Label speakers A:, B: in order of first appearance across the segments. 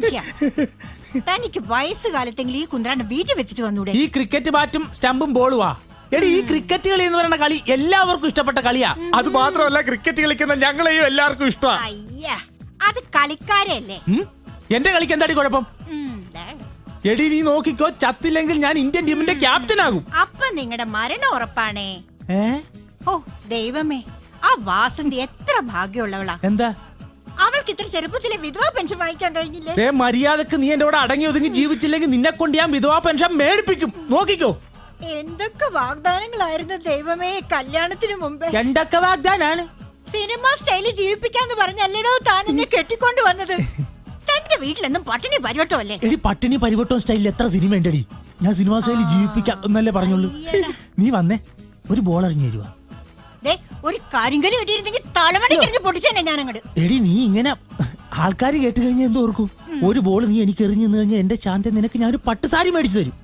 A: മനുഷ്യ, തനിക്ക് വയസ്സുകാലത്തെങ്കിലും ഈ കുന്ത്രാണ്ട് വീട്ടിൽ വെച്ചിട്ട് വന്നൂടെ?
B: ഈ ക്രിക്കറ്റ് ബാറ്റും സ്റ്റമ്പും ബോളുവാ. എടി, ഈ ക്രിക്കറ്റ് കളി എന്ന് പറയുന്ന കളി എല്ലാവർക്കും ഇഷ്ടപ്പെട്ട കളിയാ. അത് മാത്രമല്ല, ക്രിക്കറ്റ് കളിക്കുന്ന ഞങ്ങളെയും എല്ലാവർക്കും ഇഷ്ടമാ.
A: അയ്യ, അത് കളിക്കാരല്ലേ.
B: എന്റെ കളിക്ക് എന്താടി കുഴപ്പം? എടി, നീ നോക്കിക്കോ, ചത്തില്ലെങ്കിൽ ഞാൻ ഇന്ത്യൻ ടീമിന്റെ ക്യാപ്റ്റൻ ആകും.
A: അപ്പൊ നിങ്ങളുടെ മരണം ഉറപ്പാണേ. ഓ ദൈവമേ, ആ വാസന്തി എത്ര ഭാഗ്യമുള്ളവളാ.
B: എന്താ
A: അവൾക്ക് ഇത്ര ചെറുപ്പത്തിലെ വിധവാ പെൻഷൻ വാങ്ങിക്കാൻ കഴിഞ്ഞില്ലേ?
B: മര്യാദക്ക് നീ എന്റെ കൂടെ അടങ്ങി ഒതുങ്ങി ജീവിച്ചില്ലെങ്കിൽ നിന്നെ കൊണ്ട് ഞാൻ വിധവാ പെൻഷൻ മേടിപ്പിക്കും. നോക്കിക്കോ.
A: എന്തൊക്കെ വാഗ്ദാനങ്ങളായിരുന്നു ദൈവമേ കല്യാണത്തിന് മുമ്പേ.
B: എന്തൊക്കെ വാഗ്ദാനാണ്?
A: സിനിമ സ്റ്റൈലിൽ ജീവിപ്പിക്കാന്ന് പറഞ്ഞല്ലടോ താൻ എന്നെ കെട്ടിക്കൊണ്ട് വന്നത്. തന്റെ വീട്ടിലെന്നും പട്ടിണി പരിവട്ടോ അല്ലേ?
B: എടി, പട്ടിണി പരിവട്ടോ സ്റ്റൈലിൽ എത്ര സിനിമ ഉണ്ടടി. ഞാൻ സിനിമ സ്റ്റൈലിൽ ജീവിപ്പിക്കാം എന്നല്ലേ പറഞ്ഞുള്ളൂ. നീ വന്നേ, ഒരു ബോൾ എറിഞ്ഞു തരുവാ.
A: ഒരു കരിങ്കല് കിട്ടിയിരുന്നെങ്കിൽ തലമണിക്കെറിഞ്ഞ് പൊട്ടിച്ചെന്നെ ഞാൻ അങ്ങോട്ട്.
B: എടി, നീ ഇങ്ങനെ ആൾക്കാർ കേട്ട് കഴിഞ്ഞാൽ എന്തോ ഓർക്കും? ഒരു ബോൾ നീ എനിക്ക് എറിഞ്ഞു കഴിഞ്ഞാൽ എന്റെ ശാന്തി നിനക്ക് ഞാൻ ഒരു പട്ടുസാരി മേടിച്ചു തരും.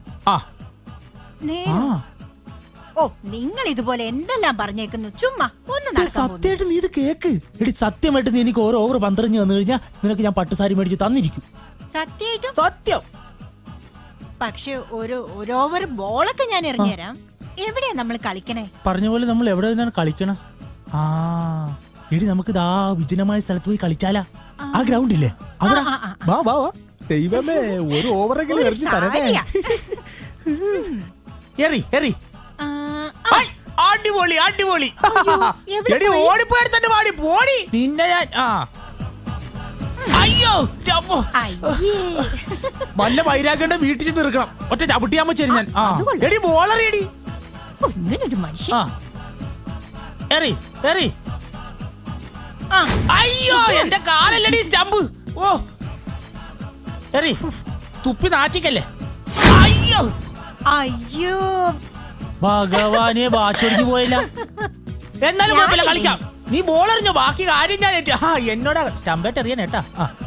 A: ഓ, നിങ്ങൾ ഇതുപോലെ എന്തെല്ലാം പറഞ്ഞേക്കുന്നു. ചുമ്മാ ഒന്ന്
B: സത്യമായിട്ട് നീ ഇത് കേക്ക്. എടി, സത്യമായിട്ട് നീ എനിക്ക് ഓരോ ഓവർ 12 വന്നു കഴിഞ്ഞാൽ നിനക്ക് ഞാൻ പട്ടുസാരി മേടിച്ച് തന്നിരിക്കും.
A: സത്യമായിട്ടും?
B: സത്യം.
A: പക്ഷെ ഒരു ഓവർ ബോളൊക്കെ ഞാൻ എറിഞ്ഞു തരാം. എവിടെയാ നമ്മൾ കളിക്കണേ?
B: പറഞ്ഞ പോലെ നമ്മൾ എവിടെ നിന്നാണ് കളിക്കണം? എടി, നമുക്ക് ഇതാ വിജനമായ സ്ഥലത്ത് പോയി കളിച്ചാലാ. ആ ഗ്രൗണ്ട് ഇല്ലേ അവിടെ? വാ വാ വാ. ദൈവമേ, ഒരു ഓവറെങ്കിലും എറിഞ്ഞു തരണേ. എറി എറി. അടിപൊളി അടിപൊളി. എടി, ഓടിപ്പോയി തന്നെ പാടി പോടി നിന്നെ ഞാൻ. അയ്യോ, വല്ല വൈരാഗ്യണ്ട വീട്ടിൽ ചെന്ന് നിൽക്കണം. ഒറ്റ ചവിട്ടിയാമ്പോ ശരി ഞാൻ. എടി, ബോളറിയടി. എറി എറി. അയ്യോ, എന്റെ കാലല്ലടി സ്റ്റമ്പ്. ഓ, എറി. തുപ്പി നാറ്റിക്കല്ലേ. അയ്യോ
A: അയ്യോ,
B: ഭഗവാനെ, ബാറ്റൊടിഞ്ഞു പോയില്ല. എന്നാലും കുഴപ്പമില്ല, കളിക്കാം. നീ ബോളറിഞ്ഞോ, ബാക്കി കാര്യം ഞാൻ ഏറ്റു. എന്നോട് സ്റ്റമ്പേറ്റ് എറിയാൻ ഏട്ടാ.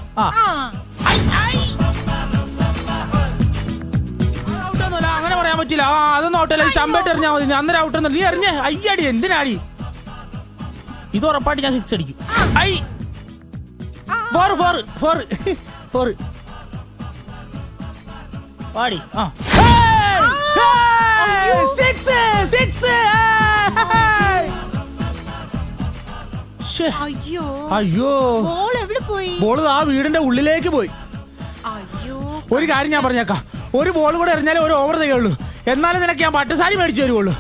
B: ഔട്ടൊന്നുമല്ല, അങ്ങനെ പറയാൻ പറ്റില്ല. അതൊന്നും ഔട്ടല്ല. സ്റ്റമ്പേറ്റ് എറിഞ്ഞാൽ മതി. അന്നേരം ഔട്ടൊന്നും. നീ എറിഞ്ഞേ. അയ്യടി, എന്തിനാടി? ഇത് ഉറപ്പായിട്ട് ഞാൻ 6 അടിക്കും. ഐ 4 4 4 4 പാടി. അയ്യോ, ബോൾ ആ വീടിന്റെ ഉള്ളിലേക്ക് പോയി. ഒരു കാര്യം ഞാൻ പറഞ്ഞേക്കാം, ഒരു ബോൾ കൂടെ എറിഞ്ഞാലേ ഒരു ഓവർ തികയുള്ളൂ. എന്നാലും നിനക്ക് ഞാൻ പട്ടുസാരി മേടിച്ചു തരുവുള്ളൂ.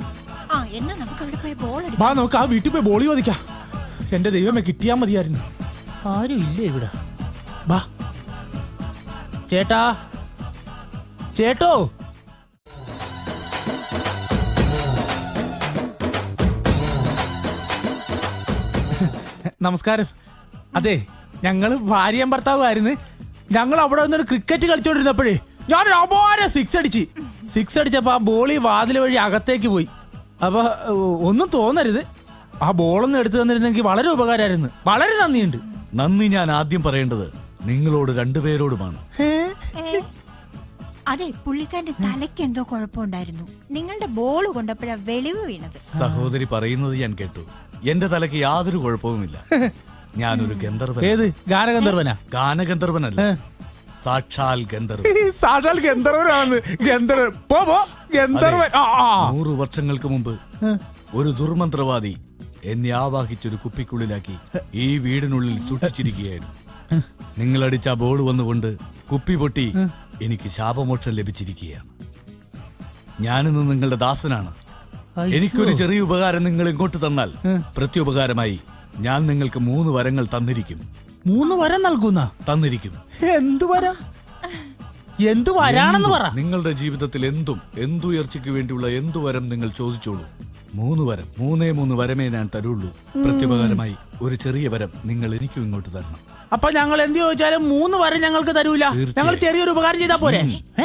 B: വാ, നമുക്ക് ആ വീട്ടിൽ പോയി ബോൾ ചോദിക്കാം. എന്റെ ദൈവമേ, കിട്ടിയാ മതിയായിരുന്നു. ആരും ഇല്ലേ ഇവിടെ? വാ ചേട്ടാ, ചേട്ടോ. നമസ്കാരം. അതെ, ഞങ്ങള് ഭാര്യയും ഭർത്താവുമായിരുന്നു. ഞങ്ങൾ അവിടെ വന്നൊരു ക്രിക്കറ്റ് കളിച്ചോണ്ടിരുന്നപ്പോഴേ ഞാൻ അപാര 6 അടിച്ച്. 6 അടിച്ചപ്പോ ആ ബോളി വാതിൽ വഴി അകത്തേക്ക് പോയി. അപ്പൊ ഒന്നും തോന്നരുത്, ആ ബോളൊന്നും എടുത്തു തന്നിരുന്നെങ്കിൽ വളരെ ഉപകാരമായിരുന്നു. വളരെ നന്ദിയുണ്ട്.
C: നന്ദി ഞാൻ ആദ്യം പറയേണ്ടത് നിങ്ങളോട് രണ്ടുപേരോടുമാണ്.
A: അതെ, പുള്ളിക്കാരന്റെ തലയ്ക്ക് എന്തോ കുഴപ്പമുണ്ടായിരുന്നു. നിങ്ങളുടെ ബോൾ കൊണ്ടപ്പോഴാ വെളിവ് വീണത്.
C: സഹോദരി പറയുന്നത് ഞാൻ കേട്ടു. എന്റെ തലയ്ക്ക് യാതൊരു കുഴപ്പവുമില്ല. ഞാനൊരു ഗന്ധർവൻ.
B: ഏത് ഗാനഗന്ധർവനാ?
C: ഗാനഗന്ധർവനല്ല, സാക്ഷാൽ ഗന്ധർവൻ.
B: സാക്ഷാൽ ഗന്ധർവനാണ്. ഗന്ധർവൻ
C: 100 വർഷങ്ങൾക്ക് മുമ്പ് ഒരു ദുർമന്ത്രവാദി എന്നെ ആവാഹിച്ചൊരു കുപ്പിക്കുള്ളിലാക്കി ഈ വീടിനുള്ളിൽ സൂക്ഷിച്ചിരിക്കുകയായിരുന്നു. നിങ്ങളടിച്ച ബോൾ വന്നുകൊണ്ട് കുപ്പി പൊട്ടി എനിക്ക് ശാപമോക്ഷം ലഭിച്ചിരിക്കുകയാണ്. ഞാനിന്ന് നിങ്ങളുടെ ദാസനാണ്. എനിക്കൊരു ചെറിയ ഉപകാരം നിങ്ങൾ ഇങ്ങോട്ട് തന്നാൽ പ്രത്യുപകാരമായി ഞാൻ നിങ്ങൾക്ക് 3 വരങ്ങൾ തന്നിരിക്കും.
B: 3 വരം നൽകുന്ന?
C: തന്നിരിക്കും.
B: എന്തു വരം? എന്തു വരാണെന്ന് പറ.
C: നിങ്ങളുടെ ജീവിതത്തിൽ എന്തുയർച്ചയ്ക്ക് വേണ്ടിയുള്ള എന്തു വരം നിങ്ങൾ ചോദിച്ചോളൂ. 3 വരം, 3 വരമേ ഞാൻ തരുള്ളൂ. പ്രത്യുപകാരമായി ഒരു ചെറിയ വരം നിങ്ങൾ എനിക്കും ഇങ്ങോട്ട് തരണം.
B: അപ്പൊ ഞങ്ങൾ എന്ത് ചോദിച്ചാലും 3 വരം ഞങ്ങൾക്ക് തരൂല. ഞങ്ങൾ ചെറിയൊരു ഉപകാരം ചെയ്താ പോരെ?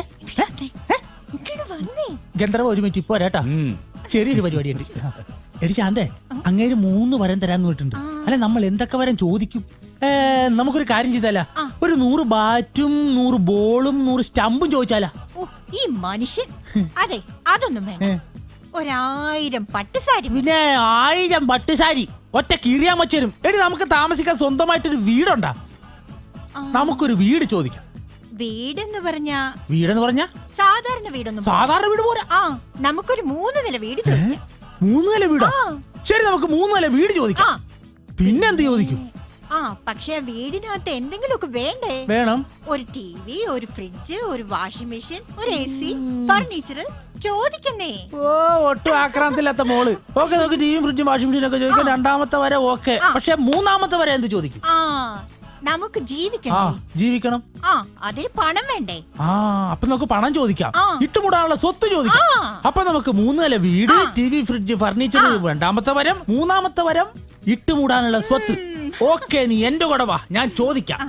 B: ഗന്ധർവ, ഒരു മിനിറ്റ് ഇപ്പൊ വരാട്ടാ. ചെറിയൊരു പരിപാടിയുണ്ട്. എടി ശാന്തേ, അങ്ങേര് 3 വരം തരാന്ന് പറഞ്ഞിട്ടുണ്ട്. അല്ലെ, നമ്മൾ എന്തൊക്കെ വരം ചോദിക്കും? നമുക്കൊരു കാര്യം ചെയ്താലാ, ഒരു 100 ബാറ്റും 100 ബോളും 100 സ്റ്റമ്പും ചോദിച്ചാലാ?
A: ഈ മനുഷ്യൻ. അതെ, അതൊന്നും വേണം. 1000 പട്ടുസാരി.
B: പിന്നെ 1000 പട്ടുസാരി ഒറ്റ കീറിയാൻ വച്ചരും. എടി, നമുക്ക് താമസിക്കാൻ സ്വന്തമായിട്ടൊരു വീടുണ്ടാ? നമുക്കൊരു വീട് ചോദിക്കാം.
A: വീടെന്ന് പറഞ്ഞാ
B: വീടെന്ന് പറഞ്ഞ
A: സാധാരണ വീടൊന്നും
B: സാധാരണ വീട് പോരാ.
A: ആ നമുക്കൊരു 3 നില വീട് ചോദിക്കാം.
B: 3 നില വീടാ?
A: ആ.
B: ശരി, നമുക്ക് 3 നില വീട് ചോദിക്കാം. പിന്നെന്ത് ചോദിക്കും?
A: പക്ഷെ വീടിനകത്ത് എന്തെങ്കിലുമൊക്കെ വേണ്ടേ?
B: വേണം.
A: ഒരു ടിവി, ഒരു ഫ്രിഡ്ജ്, ഒരു വാഷിംഗ് മെഷീൻ, ഒരു AC, ഫർണിച്ചർ ചോദിക്കുന്നേ.
B: ഓ, ഒട്ടും ആക്രാന്തമില്ലാത്ത മോള്. ഓക്കെ, നമുക്ക് ടിവിയും ഫ്രിഡ്ജും വാഷിംഗ് മെഷീനും ഒക്കെ ചോദിക്കാം. രണ്ടാമത്തെ വരെ ഓക്കെ. പക്ഷെ മൂന്നാമത്തെ വരെ എന്ത് ചോദിക്കും?
A: നമുക്ക് ജീവിക്കണ്ടേ?
B: ജീവിക്കണം.
A: അതിന് പണം വേണ്ടേ?
B: അപ്പൊ നമുക്ക് പണം ചോദിക്കാം. ഇട്ടുമുടാനുള്ള സ്വത്ത് ചോദിക്കാം. അപ്പൊ നമുക്ക് 3 നില വീട്, ടിവി, ഫ്രിഡ്ജ്, ഫർണിച്ചർ രണ്ടാമത്തെ വരം. മൂന്നാമത്തെ വരം ഇട്ടുമൂടാനുള്ള സ്വത്ത്. ഓക്കെ, നീ എന്റെ കൂടെ വാ, ഞാൻ ചോദിക്കാം.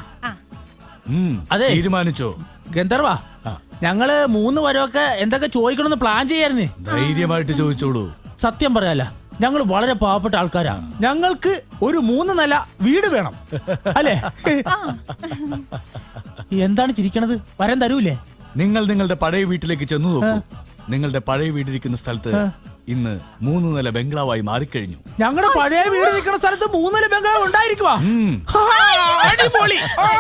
B: അതെ,
C: തീരുമാനിച്ചോ
B: ഗന്ധർവ? ഞങ്ങള് 3 വരമൊക്കെ എന്തൊക്കെ ചോദിക്കണമെന്ന് പ്ലാൻ ചെയ്യായിരുന്നേ.
C: ധൈര്യമായിട്ട് ചോദിച്ചോളൂ.
B: സത്യം പറയാല, ഞങ്ങൾ വളരെ പാവപ്പെട്ട ആൾക്കാരാ. ഞങ്ങൾക്ക് ഒരു 3 നില വീട് വേണം, അല്ലേ? എന്താണ് ചിരിക്കണത്? വരം തരൂലേ?
C: നിങ്ങൾ നിങ്ങളുടെ പഴയ വീട്ടിലേക്ക് ചെന്നു നോക്കൂ. നിങ്ങളുടെ പഴയ വീടിരിക്കുന്ന സ്ഥലത്ത് ഇന്ന് 3 നില ബംഗ്ലാവായി മാറിക്കഴിഞ്ഞു.
B: ഞങ്ങളുടെ പഴയ വീട് നിൽക്കുന്ന സ്ഥലത്ത് 3 നില ബംഗ്ലാവ് ഉണ്ടായിരിക്കുവാ? അടിപൊളി.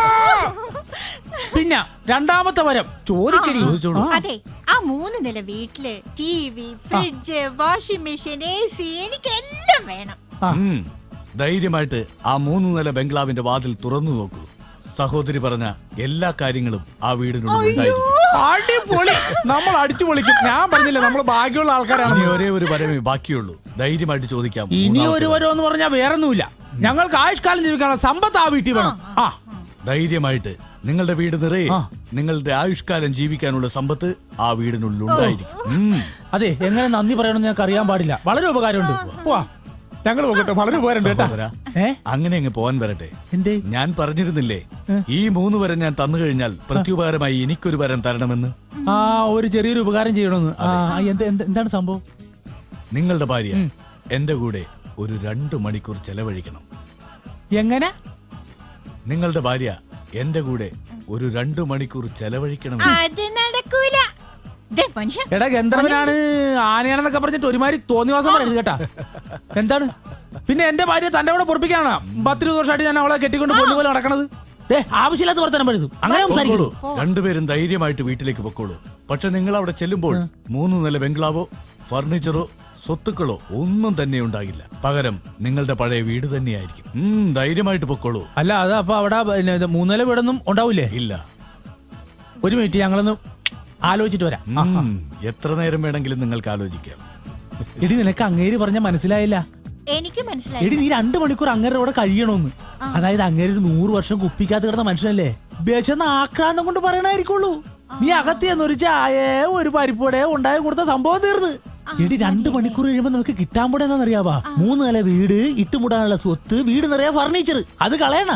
B: പിന്നെ രണ്ടാമത്തെ വരം ചോദിക്കണി.
A: അതെ, ആ 3 നില വീട്ടില് TV, fridge, washing machine, AC എനിക്കെല്ലാം വേണം.
C: ധൈര്യമായിട്ട് ആ 3 നില ബംഗ്ലാവിന്റെ വാതിൽ തുറന്നു നോക്കൂ. സഹോദരി പറഞ്ഞ എല്ലാ കാര്യങ്ങളും ആ വീടിനുള്ളിൽ ഉണ്ടായിരിക്കും.
B: അടിപൊളി, നമ്മൾ അടിച്ചു പൊളിക്കും. ഞാൻ പറഞ്ഞില്ല, നമ്മൾ ഭാഗ്യമുള്ള ആൾക്കാരാണ്.
C: ഇനി ഒരേ ഒരു വരമേ ബാക്കിയുള്ളൂ. ധൈര്യമായിട്ട് ചോദിക്കാം.
B: ഇനി ഒരു വരം എന്ന് പറഞ്ഞാൽ വേറൊന്നുമില്ല. ഞങ്ങൾക്ക് ആയുഷ്കാലം ജീവിക്കാനുള്ള സമ്പത്ത് ആ വീട്ടിൽ വേണം.
C: ധൈര്യമായിട്ട് നിങ്ങളുടെ വീട് നിറയെ നിങ്ങളുടെ ആയുഷ്കാലം ജീവിക്കാനുള്ള സമ്പത്ത് ആ വീടിനുള്ളിൽ ഉണ്ടായിരിക്കും.
B: അതെ, എങ്ങനെ നന്ദി പറയണമെന്ന് ഞങ്ങൾക്ക് അറിയാൻ പാടില്ല. വളരെ ഉപകാരമുണ്ട്. പോവാ, ഞങ്ങൾ പോകട്ടെ. വളരെ ഉപകാരമുണ്ട്.
C: അങ്ങനെ അങ്ങ് പോവാൻ വരട്ടെ.
B: എന്തേ?
C: ഞാൻ പറഞ്ഞിരുന്നില്ലേ, ഈ 3 വരം ഞാൻ തന്നു കഴിഞ്ഞാൽ പ്രത്യുപകാരമായി എനിക്കൊരു വരം തരണമെന്ന്.
B: ഒരു ചെറിയൊരു ഉപകാരം ചെയ്യണമെന്ന്. എന്താണ് സംഭവം?
C: നിങ്ങളുടെ ഭാര്യ എന്റെ കൂടെ ഒരു 2 മണിക്കൂർ ചെലവഴിക്കണം.
B: എങ്ങനെ?
C: നിങ്ങളുടെ ഭാര്യ എന്റെ കൂടെ ഒരു 2 മണിക്കൂർ ചെലവഴിക്കണം.
A: അത് നടക്കൂല.
B: എടാ, ഗന്ധർവനാണ് ആനയാണെന്നൊക്കെ പറഞ്ഞിട്ട് ഒരുമാതിരി തോന്നിവാസം പറയരുത് കേട്ടാ. എന്താണ്? പിന്നെ എന്റെ ഭാര്യ തന്റെ കൂടെ പൊറപ്പിക്കാനാ 10-20 വർഷമായിട്ട് ഞാൻ അവളെ കെട്ടിക്കൊണ്ട് പൊന്നുപോലെ നടക്കണത്. ആവശ്യമില്ലാത്ത വർത്തനം പഴുതും. അങ്ങനെ സംസാരിക്കൂ.
C: രണ്ടുപേരും ധൈര്യമായിട്ട് വീട്ടിലേക്ക് പൊക്കോളൂ. പക്ഷെ നിങ്ങൾ അവിടെ ചെല്ലുമ്പോൾ 3 നില ബംഗ്ലാവോ ഫർണിച്ചറോ സ്വത്തുക്കളോ ഒന്നും തന്നെ ഉണ്ടാകില്ല. പകരം നിങ്ങളുടെ പഴയ വീട് തന്നെയായിരിക്കും. ധൈര്യമായിട്ട് പൊക്കോളൂ.
B: അല്ല, അത് അപ്പൊ അവിടെ 3 നില വീടൊന്നും ഉണ്ടാവൂലേ?
C: ഇല്ല.
B: ഒരു മിനിറ്റ്, ഞങ്ങളൊന്ന് ആലോചിച്ചിട്ട് വരാം.
C: എത്ര നേരം വേണമെങ്കിലും നിങ്ങൾക്ക് ആലോചിക്കാം.
B: എടി, നിനക്ക് അങ്ങേര് പറഞ്ഞ മനസ്സിലായില്ല?
A: എനിക്ക് മനസ്സിലായി.
B: എടി, നീ 2 മണിക്കൂർ അങ്ങേരുടെ കൂടെ കഴിയണമെന്ന്. അതായത് അങ്ങേര് 100 വർഷം കുപ്പിക്കാത്ത കിടന്ന മനുഷ്യനല്ലേ? വിശന്ന് ആക്രാന്തം കൊണ്ട് പറയണായിരിക്കുള്ളൂ. നീ അകത്തിയെന്ന് ഒരു ചായ, ഒരു പരിപ്പോടെ ഉണ്ടായി കൊടുത്ത സംഭവം തീർന്ന്. എടി, 2 മണിക്കൂർ കഴിയുമ്പോ നമുക്ക് കിട്ടാൻ പോടെ എന്താണെന്നറിയാവാ? 3 നില വീട്, ഇട്ടുമുടാനുള്ള സ്വത്ത്, വീട് നിറയെ ഫർണിച്ചർ. അത് കളയണ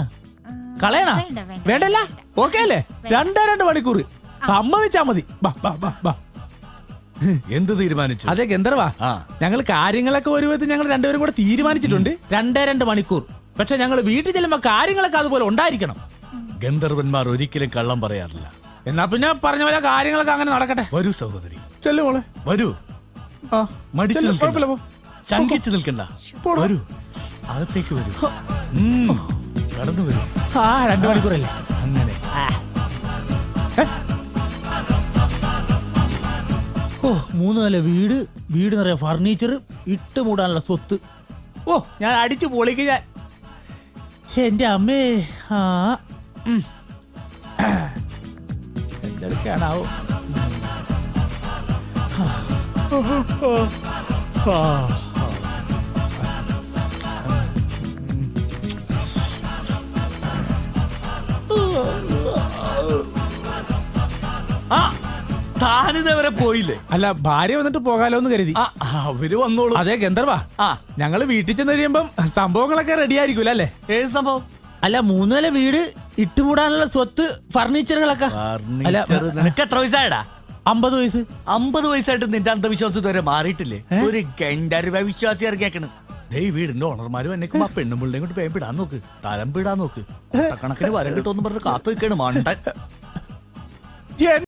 B: വേണ്ടല്ല? ഓക്കെ അല്ലേ? 2 മണിക്കൂർ സമ്മതിച്ചാ മതി.
C: എന്ത് തീരുമാനിച്ചു?
B: അതെ ഗന്ധർവ, ഞങ്ങൾ കാര്യങ്ങളൊക്കെ ഒരു വിധത്തിൽ ഞങ്ങൾ രണ്ടുപേരും കൂടെ തീരുമാനിച്ചിട്ടുണ്ട്. 2 മണിക്കൂർ. പക്ഷെ ഞങ്ങൾ വീട്ടിൽ ചെല്ലുമ്പോ കാര്യങ്ങളൊക്കെ അതുപോലെ ഉണ്ടായിരിക്കണം.
C: ഗന്ധർവന്മാർ ഒരിക്കലും കള്ളം പറയാറില്ല.
B: എന്നാ പിന്നെ പറഞ്ഞ പോലെ കാര്യങ്ങളൊക്കെ അങ്ങനെ നടക്കട്ടെ.
C: വരൂ സഹോദരി,
B: ചെല്ലു മോളെ.
C: വരൂ. മടിച്ചു
B: കുഴപ്പമില്ല,
C: ശങ്കിച്ചു നിൽക്കണ്ട. വരൂ, അകത്തേക്ക് വരൂ. കടന്നു വരൂ.
B: 2 മണിക്കൂറല്ലേ?
C: അങ്ങനെ
B: 3 നില വീട്, വീട് നിറയെ ഫർണിച്ചർ, ഇട്ടുമൂടാനുള്ള സ്വത്ത്. ഞാൻ അടിച്ചു പൊളിക്ക് ഞാൻ. എന്റെ അമ്മേ. എന്തൊക്കെയാണാവോ?
C: താനിതവരെ പോയില്ലേ?
B: അല്ല, ഭാര്യ വന്നിട്ട് പോകാലോ എന്ന് കരുതി.
C: അവര് വന്നോളൂ.
B: അതെ ഗന്ധർവ, ഞങ്ങള് വീട്ടിൽ ചെന്ന് കഴിയുമ്പം സംഭവങ്ങളൊക്കെ റെഡി ആയിരിക്കും അല്ലേ?
C: ഏത് സംഭവം?
B: അല്ല, 3 നില വീട്, ഇട്ടുമൂടാനുള്ള സ്വത്ത്, ഫർണിച്ചറുകളൊക്കെ.
C: നിനക്ക് എത്ര വയസ്സായടാ?
B: 50 വയസ്സ്.
C: 50 വയസ്സായിട്ട് നിന്റെ അന്ധവിശ്വാസം ഇതുവരെ മാറിയിട്ടില്ലേ? ഒരു ഗണ്ടരുവ വിശ്വാസി ഇറങ്ങിയേക്കണ്. വീടിന്റെ ഓണർമാരും എന്നെക്കും ആ പെണ്ണുമ്പിള്ളേം കൊണ്ട് പേം പിടാൻ നോക്ക്, തരം പിടാൻ നോക്ക്. കണക്കിന് വരം കിട്ടുമെന്ന് പറഞ്ഞ് കാത്തു നിൽക്കാണ് മണ്ടൻ.